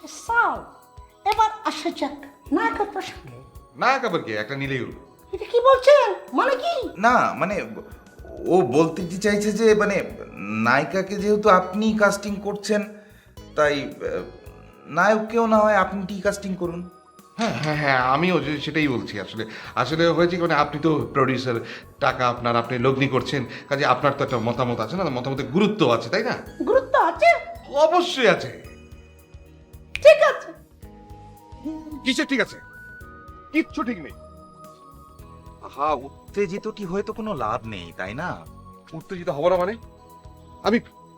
সাল এবার আসা যাক নায়কের প্রসঙ্গে। নায়ক আবার কি একটা নিলেই হলো। এটা কি বলছেন, মানে কি? না মানে ও বলতে কি চাইছে যে মানে নায়িকাকে যেহেতু আপনি কাস্টিং করছেন তাই নায়ককেও না হয় আপনি কাস্টিং করুন। হ্যাঁ হ্যাঁ হ্যাঁ, আমিও সেটাই বলছি। আসলে আসলে হয়েছে কি, মানে আপনি তো প্রডিউসার, টাকা আপনার, আপনি লগ্নি করছেন, কাজে আপনার তো একটা মতামত আছে না, মতামতের গুরুত্ব আছে, তাই না? গুরুত্ব আছে? অবশ্যই আছে। ঠিক আছে। কিসের ঠিক আছে? কিচ্ছু ঠিক নেই। হ্যাঁ, উত্তেজিতটি হয়ে তো কোনো লাভ নেই, তাই না? উত্তেজিত হব না মানে? আমি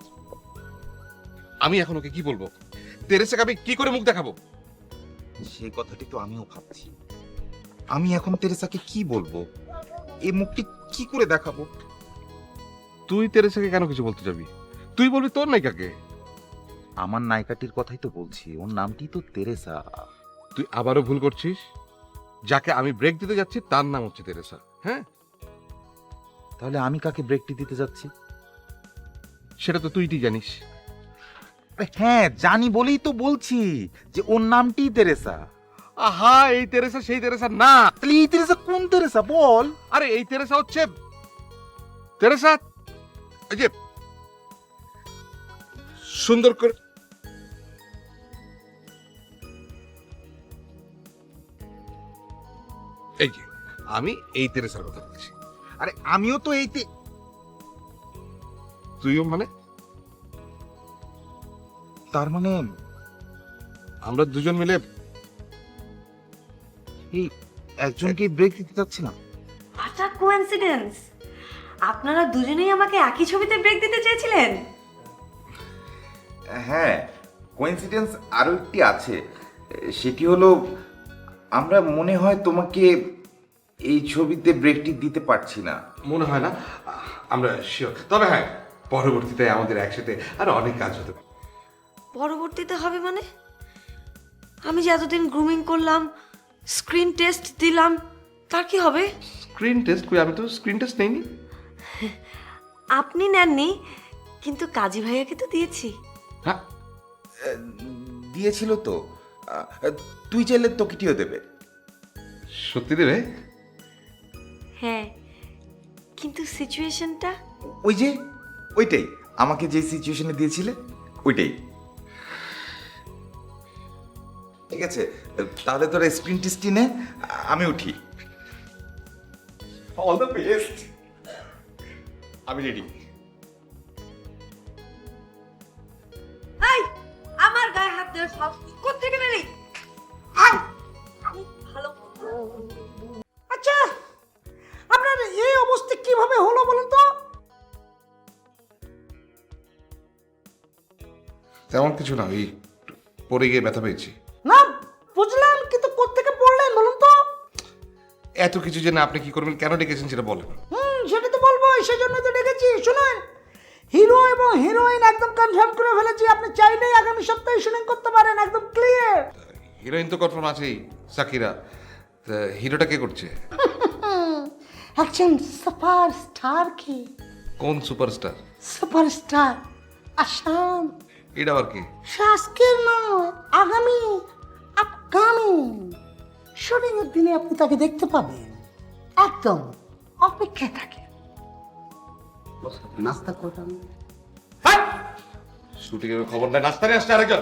আমি এখন ওকে কি বলবো? তেরেসাকে আমি কি করে মুখ দেখাবো? সেই কথাটি তো আমিও ভাবছি। আমি এখন তেরেসাকে কি বলবো, এই মুখটি কি করে দেখাবো? তুই তেরেসাকে কেন কিছু বলতে যাবি? তুই বলবি তোর নায়িকাকে। আমার নায়িকাটির কথাই তো বলছি, ওর নামটি তো তেরেসা। তুই আবারও ভুল করছিস। যাকে আমি ব্রেক দিতে যাচ্ছি তার নাম হচ্ছে তেরেসা। হ্যাঁ, তাহলে আমি কাকে ব্রেকটি দিতে যাচ্ছি? সেটা তো তুই জানিস। আরে হ্যাঁ, জানি বলেই তো বলছি যে ওর নামটি তেরেসা। আহা, এই তেরেসা সেই তেরেসা না। তাহলে এই তেরেসা কোন তেরেসা বল? আরে এই তেরেসা হচ্ছে তেরেসা, এই যে সুন্দর করে এই যে আমি এই তেরেসার কথা বলছি। আরে আমিও তো তুইও মানে? তার মানে আমরা দুজন মিলে এই একজনকে ব্রেক দিতে চাচ্ছিলাম। আচ্ছা, কোইন্সিডেন্স, আপনারা দুজনেই আমাকে একই ছবিতে ব্রেক দিতে চেয়েছিলেন? হ্যাঁ, কোইন্সিডেন্স আরো একটি আছে। সেটি হলো আমরা মনে হয় তোমাকে এই ছবিতে ব্রেকটি দিতে পারছি না। মনে হয় না আমরা শিওর। তবে হ্যাঁ, পরবর্তীতে আমাদের একসাথে আরো অনেক কাজ হতে পারে। পরবর্তীতে হবে মানে? আমি যে এতদিন গ্রুমিং করলাম, স্ক্রিন টেস্ট দিলাম, তার কি হবে? স্ক্রিন টেস্ট কই? আমি তো স্ক্রিন টেস্ট নেইনি। আপনি নেননি, কিন্তু কাজী ভাইয়াকে তো দিয়েছি। হ্যাঁ, দিয়েছিল তো। তুই চাইলে তোকেটিও দেবে। সত্যি দেবে? হ্যাঁ, কিন্তু সিচুয়েশনটা ওই যে ওইটাই, আমাকে যে সিচুয়েশনে দিয়েছিলে ওইটাই। ঠিক আছে, তাহলে তোরা স্ক্রিন টেস্টই নে, আমি উঠি। All the best. আমি রেডি। এই, আমার গায়ে হাত দেওয়ার সাহস কোত্থেকে পেলি? আমি ভালো আচ্ছা, আপনার এই অবস্থা কিভাবে হলো বলুন তো? তেমন কিছু না, ওই পড়ে গিয়ে ব্যথা পেয়েছি। না বুঝলাম, কিন্তু কোত্থেকে পড়লেন বলুন তো? এত কিছু জেনে আপনি কি করবেন, কেন ডেকেছেন সেটা বলেন। সেটা তো বলবো, সেজন্য তো ডেকেছি। শুনুন, হিরো এবং হিরোইন একদম কনফার্ম করে ফেলেছি। আপনি চাইলেই আগামী সপ্তাহে শুটিং করতে পারেন, একদম ক্লিয়ার। হিরোইন তো কনফার্ম আছেই, সাকিরা। তা হিরোটা কে করছে? একজন সুপারস্টার কি? কোন সুপারস্টার? সুপারস্টার আসাম। এটা আবার কি? শাসকের নয়, আগামী, আপকামিং শুটিং এর দিনে আপনি তাকে দেখতে পাবেন। একদম অপেক্ষায় থাকে। নাস্তা করলাম। শুটিং এর খবর নাই, নাস্তা নিয়ে আসছে আরেকজন।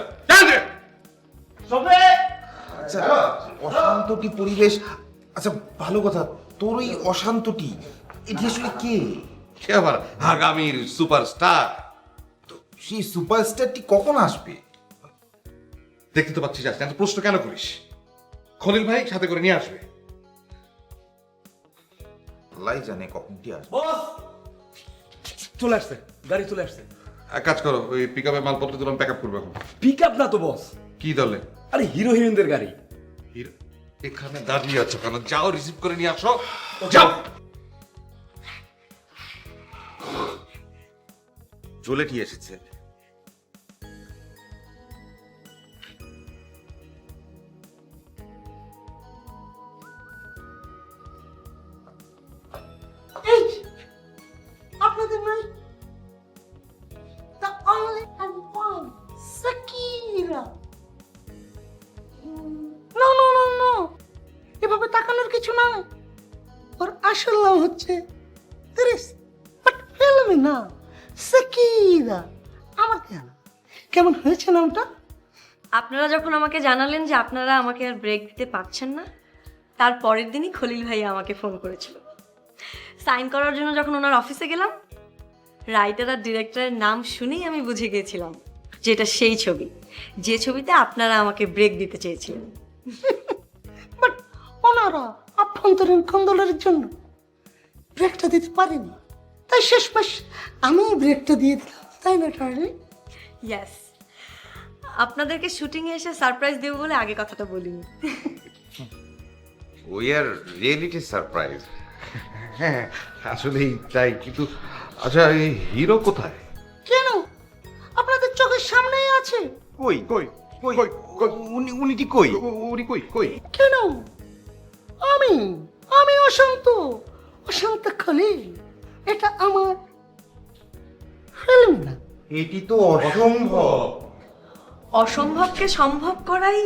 আচ্ছা, অশান্তটি পরিবেশ। আচ্ছা ভালো কথা, তোর ওই অশান্তটি এটি আসলে কে? সে আবার আগামীর সুপারস্টার। তো সেই সুপারস্টারটি কখন আসবে? দেখতে তো পাচ্ছিস আসছে, এত প্রশ্ন কেন করিস? খলিল ভাই সাথে করে নিয়ে আসবে। আল্লাহই জানে কখনটি আসবে। বস চলে আসছে, গাড়ি চলে আসছে। এক কাজ করো, ওই পিক আপে মালপত্র তুলে প্যাক আপ করবো এখন। পিক আপ না তো বস, কি দলে? আরে হিরো হিরোইনদের গাড়ি। হিরো এখানে দাঁড়িয়ে আছো কেন? যাও রিসিভ করে নিয়ে আসো, যাও। চলেটি এসেছে। এই আপনাদের নাই the only and one Sakira. কিছু নয়, ওর আসল নাম হচ্ছে বাট ফিল্মে না সাকিরা। আমার কেন কেমন হয়েছে নামটা? আপনারা যখন আমাকে জানালেন যে আপনারা আমাকে আর ব্রেক দিতে পারছেন না, তার পরের দিনই খলিল ভাইয়া আমাকে ফোন করেছিল। সাইন করার জন্য যখন ওনার অফিসে গেলাম, রাইটার আর ডিরেক্টরের নাম শুনেই আমি বুঝে গিয়েছিলাম যে এটা সেই ছবি, যে ছবিতে আপনারা আমাকে ব্রেক দিতে চেয়েছিলেন। বাট ওনারা আভ্যন্তরীণ কন্দলের জন্য ব্রেকটা দিতে পারেনি, তাই শেষমেশ আমি ব্রেকটা দিয়ে দিলাম, তাই না ডার্লিং? ইয়েস, আপনাদেরকে শুটিংয়ে এসে সারপ্রাইজ দেবো বলে আগে কথাটা বলিনি। We are reality surprise. হ্যাঁ আসলেই তাই, কিন্তু আচ্ছা এই হিরো কোথায়? কেন, আপনাদের চোখের সামনেই আছে। কই কই কই কই কই উনিটি কই? উনি কই কই? কেন, আমি আমি অশান্ত অশান্ত খলিল, এটা আমার ফিল্ম না। এটি তো অসম্ভব। অসম্ভবকে সম্ভব করাই